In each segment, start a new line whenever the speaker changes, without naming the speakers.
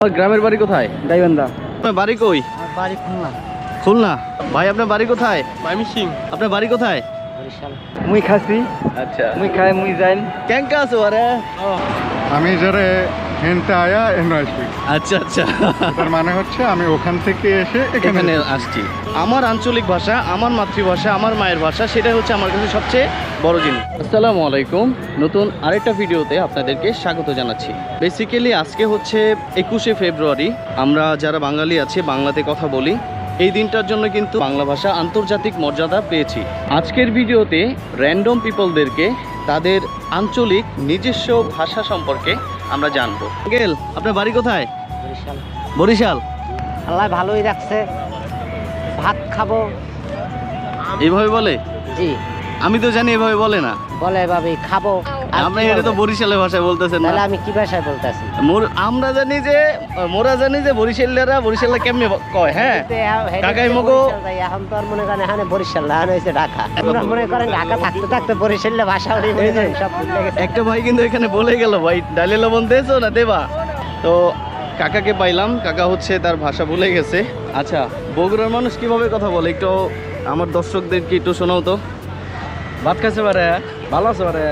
গ্রামের বাড়ি কোথায়?
গাইবান্ধা।
আপনার বাড়ি কই?
বাড়ি খুলনা।
খুলনা। ভাই আপনার বাড়ি কোথায়?
ময়মনসিং।
আপনার বাড়ি কোথায়?
বরিশাল। মুই খাসি।
আচ্ছা
মুই খাই মুই যাইন।
কেঙ্কা আছো আরে?
আমি যারা হেনতে আয়া এনে আসবি,
আচ্ছা আচ্ছা,
তার মানে হচ্ছে আমি ওখান থেকে এসে এখানে
এখানে আসছি। আমার আঞ্চলিক ভাষা, আমার মাতৃভাষা, আমার মায়ের ভাষা, সেটা হচ্ছে আমার কাছে সবচেয়ে বড় জিনিস। আসসালামু আলাইকুম, নতুন আরেকটা ভিডিওতে আপনাদেরকে স্বাগত জানাচ্ছি। বেসিক্যালি আজকে হচ্ছে 21শে ফেব্রুয়ারি। আমরা যারা বাঙালি আছি, বাংলাতে কথা বলি, এই দিনটার জন্য কিন্তু বাংলা ভাষা আন্তর্জাতিক মর্যাদা পেয়েছি। আজকের ভিডিওতে র্যান্ডম পিপলদেরকে তাদের আঞ্চলিক নিজস্ব ভাষা সম্পর্কে আমরা জানবো। গেল, আপনার বাড়ি কোথায়?
বরিশাল।
বরিশাল।
আল্লাহ ভালোই রাখছে। ভাত খাবো।
এইভাবে বলে?
জি।
আমি তো জানি এভাবে বলে না।
বলে ভাবি খাবো। আর
আপনি
কি
এটা তো
বলবো?
বরিশালের ভাষায় বলতেছেন না।
তাহলে আমি কি ভাষায় বলতেছি?
আমরা জানি যে বরিশালীরা বরিশালে কেমনে কয়। হ্যাঁ কাকাই মগো।
এখন তো আর মনে করেন এখানে বরিশাল না, এখন হয়েছে ঢাকা। আমরা মনে করেন ঢাকা থাকতে থাকতে বরিশালের ভাষা উঠে মনে করেন সব ভুলে গেছে।
একটা ভাই কিন্তু এখানে বলে গেল, ভাই ডালে লবণ দিয়েছো না দেবা? তো কাকাকে পাইলাম, কাকা হচ্ছে তার ভাষা ভুলে গেছে। আচ্ছা, বগুড়ার মানুষ কিভাবে কথা বলে একটু আমার দর্শকদেরকে একটু শোনাও তো।
ভাত খাইছে পারে, ভালো আছে পারে।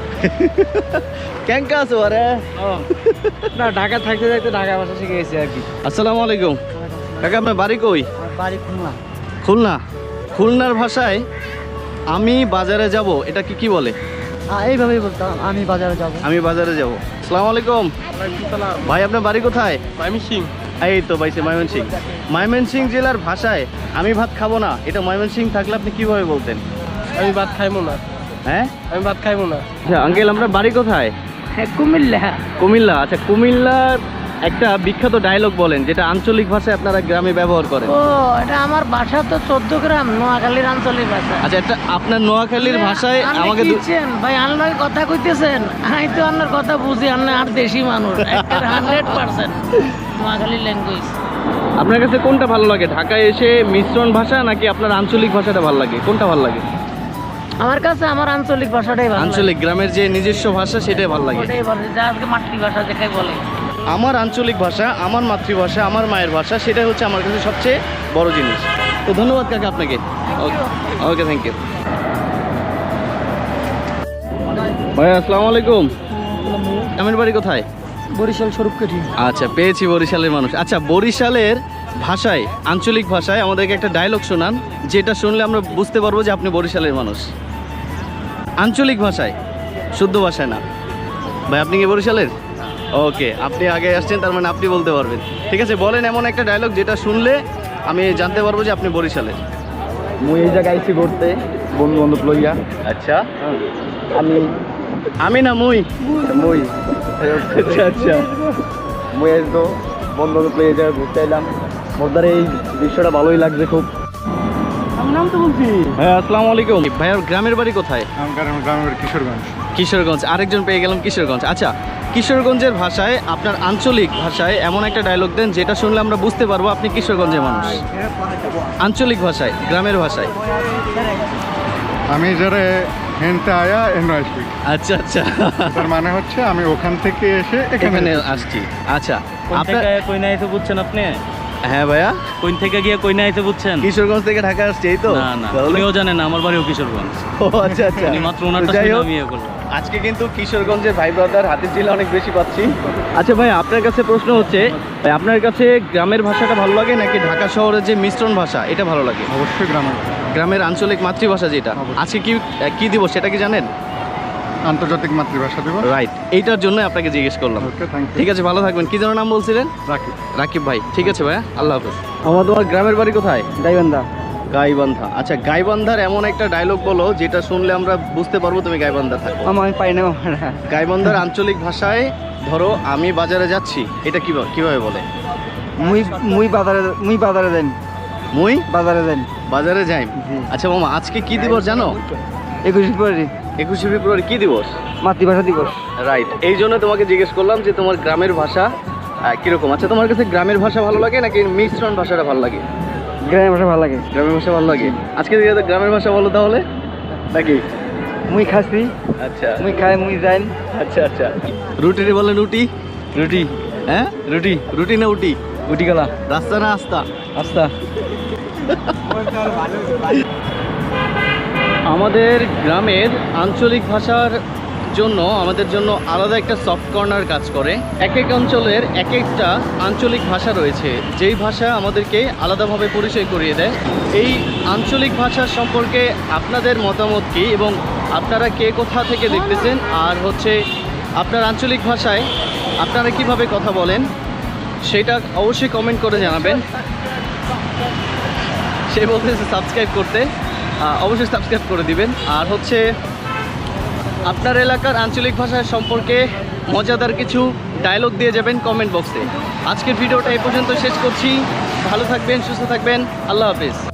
কেঙ্কা আছো আরে?
না, ঢাকা থাকতে থাকতে ঢাকা ভাষা শিখে গেছি আর কি।
আসসালামু আলাইকুম কাকা, আপনার বাড়ি কই?
বাড়ি খুলনা।
খুলনা। খুলনার ভাষায় আমি বাজারে যাব এটা কি বলে?
এইভাবেই বলতাম, আমি বাজারে যাবো।
আমি বাজারে যাব। আসসালামু আলাইকুম ভাই, আপনার বাড়ি কোথায়?
ময়মনসিং।
এই তো ভাই, ময়মনসিং। ময়মনসিং জেলার ভাষায় আমি ভাত খাবো না, এটা ময়মনসিং থাকলে আপনি কিভাবে বলতেন?
আমি ভাত খাইবো না।
হ্যাঁ,
আমি ভাত খাইবো না।
আচ্ছা আঙ্কেল, আপনার বাড়ি কোথায়?
কুমিল্লা।
কুমিল্লা। আচ্ছা, কুমিল্লার একটা বিখ্যাত ডায়লগ বলেন যেটা আঞ্চলিক ভাষায় আপনারা গ্রামে ব্যবহার করেন।
ও, এটা আমার বাসা তো 14 গ্রাম, নোয়াখালীর আঞ্চলিক ভাষা।
আচ্ছা, এটা আপনার নোয়াখালীর ভাষায় আমাকে
ভাই আনলাই কথা কইতেছেন, আমি তো আপনার কথা বুঝি, আপনি আর দেশি মানুষ 100% নোয়াখালীর ল্যাঙ্গুয়েজ।
আপনার কাছে কোনটা ভালো লাগে, ঢাকায় এসে মিশ্রণ ভাষা নাকি আপনার আঞ্চলিক ভাষাটা ভালো লাগে? কোনটা ভালো লাগে?
আমার কাছে আমার আঞ্চলিক ভাষাটাই ভালো লাগে।
আঞ্চলিক গ্রামের যে নিজস্ব ভাষা সেটাই ভালো লাগে।
ওটাই ভালো, যা আজকে মাতৃভাষা যেটাই বলে।
আমার আঞ্চলিক ভাষা, আমার মাতৃভাষা, আমার মায়ের ভাষা, সেটা হচ্ছে আমার কাছে সবচেয়ে বড় জিনিস। তো ধন্যবাদ কাকা আপনাকে। ওকে, থ্যাংক ইউ ভাই। আসসালামু আলাইকুম, আমার বাড়ি কোথায়?
বরিশাল স্বরূপকাঠি।
আচ্ছা, পেয়েছি বরিশালের মানুষ। আচ্ছা, বরিশালের ভাষায়, আঞ্চলিক ভাষায় আমাদেরকে একটা ডায়লগ শোনান, যেটা শুনলে আমরা বুঝতে পারবো যে আপনি বরিশালের মানুষ। আঞ্চলিক ভাষায়, শুদ্ধ ভাষায় না। ভাই আপনি কি বরিশালের? ওকে, আপনি আগে আসছেন, তার মানে আপনি বলতে পারবেন। ঠিক আছে, বলেন এমন একটা ডায়লগ যেটা শুনলে আমি জানতে পারবো যে আপনি বরিশালের।
মুই এই জায়গায় আইছি ঘুরতে, বন্ধু বান্ধব লইয়া।
আচ্ছা,
আমি
না মুই?
মুই
আচ্ছা আচ্ছা,
মুই আসবো বন্ধু বান্ধব লইয়া জায়গায় ঘুরতে এলাম। মোরদার এই দৃশ্যটা ভালোই লাগছে খুব। আমি নাম তো বলছি।
হ্যাঁ, আসসালামু আলাইকুম ভাইয়ার গ্রামের বাড়ি কোথায়?
আমার গ্রামের কিশোরগঞ্জ।
কিশোরগঞ্জ। আরেকজন পেয়ে গেলাম কিশোরগঞ্জ। আচ্ছা, কিশোরগঞ্জের ভাষায়, আপনার আঞ্চলিক ভাষায় এমন একটা ডায়লগ দেন যেটা শুনলে আমরা বুঝতে পারবো আপনি কিশোরগঞ্জের মানুষ। আঞ্চলিক ভাষায়, গ্রামের ভাষায়।
আমি যারা হেনতে আয়া এনে আসবি,
আচ্ছা আচ্ছা,
তার মানে হচ্ছে আমি ওখান থেকে এসে
এখানে আসছি। আচ্ছা, আপনার
কই না আইতে বুঝছেন আপনি?
হ্যাঁ ভাইয়া,
কোন থেকে গিয়ে কই না আইতে বুঝছেন?
কিশোরগঞ্জ থেকে ঢাকা আসছি, এই তো?
না না,
তাহলে-
উনিও জানেন না, আমার বাড়িও কিশোরগঞ্জ।
ও আচ্ছা আচ্ছা,
উনি মাত্র ওনারটা
যাই
শুনে
হোক,
আমি ইয়ে করলাম।
আজকে কিন্তু কিশোরগঞ্জের ভাই ব্রাদার হাতির ঝিলে অনেক বেশি পাচ্ছি। আচ্ছা ভাই, আপনার কাছে প্রশ্ন হচ্ছে, ভাই আপনার কাছে গ্রামের ভাষাটা ভালো লাগে নাকি ঢাকা শহরের যে মিশ্রণ ভাষা এটা ভালো লাগে?
অবশ্যই
গ্রামের আঞ্চলিক মাতৃভাষা যেটা। আজকে কি দিবস সেটা কি জানেন?
আন্তর্জাতিক মাতৃভাষা দিবস।
রাইট, এইটার জন্য আপনাকে জিজ্ঞেস করলাম।
Okay, thank you.
ঠিক আছে, ভালো থাকবেন। কি যেন নাম বলছিলেন?
রাখি।
রাকিব ভাই। ঠিক আছে ভাইয়া, আল্লাহ হাফেজ। তোমার গ্রামের বাড়ি কোথায়?
গাইবান্ধা।
গাইবান্ধা। আচ্ছা, গাইবান্ধার এমন একটা ডায়লগ বলো যেটা শুনলে আমরা বুঝতে পারবো তুমি গাইবান্ধা থাকো।
আমি পাই না।
গাইবান্ধার আঞ্চলিক ভাষায় ধরো আমি বাজারে যাচ্ছি, এটা কিভাবে বলে?
মুই বাজারে যাই।
মুই
বাজারে যাই।
বাজারে যাই। আচ্ছা মামা, আজকে কি দিবস জানো?
21 ফেব্রুয়ারি
21শে ফেব্রুয়ারি কি দিবস?
মাতৃভাষা দিবস।
রাইট, এই জন্য তোমাকে জিজ্ঞেস করলাম যে তোমার গ্রামের ভাষা কিরকম। আচ্ছা, তোমার কাছে গ্রামের ভাষা ভালো লাগে নাকি মিশ্রণ ভাষাটা ভালো লাগে?
গ্রামের ভাষা ভালো লাগে।
গ্রামের ভাষা ভালো লাগে। আজকে গ্রামের ভাষা বলো তাহলে নাকি?
মুই খাসি।
আচ্ছা,
মুই খাই মুই যাইন।
আচ্ছা আচ্ছা, রুটি বলে রুটি।
রুটি।
হ্যাঁ রুটি রুটি না উটি
উটি গলা
রাস্তা না আস্তা
আস্তা।
আমাদের গ্রামের আঞ্চলিক ভাষার জন্য আমাদের জন্য আলাদা একটা সফট কর্নার কাজ করে। এক এক অঞ্চলের এক একটা আঞ্চলিক ভাষা রয়েছে, যেই ভাষা আমাদেরকে আলাদাভাবে পরিচয় করিয়ে দেয়। এই আঞ্চলিক ভাষা সম্পর্কে আপনাদের মতামত কী এবং আপনারা কে কোথা থেকে দেখতেছেন, আর হচ্ছে আপনার আঞ্চলিক ভাষায় আপনারা কিভাবে কথা বলেন সেটা অবশ্যই কমেন্ট করে জানাবেন। সে বলতেছে সাবস্ক্রাইব করতে, অবশ্যই সাবস্ক্রাইব করে দিবেন। আর হচ্ছে আপনার এলাকার আঞ্চলিক ভাষা সম্পর্কে মজাদার কিছু ডায়লগ দিয়ে যাবেন কমেন্ট বক্সে। আজকের ভিডিওটা এই পর্যন্ত শেষ করছি। ভালো থাকবেন, সুস্থ থাকবেন, আল্লাহ হাফিজ।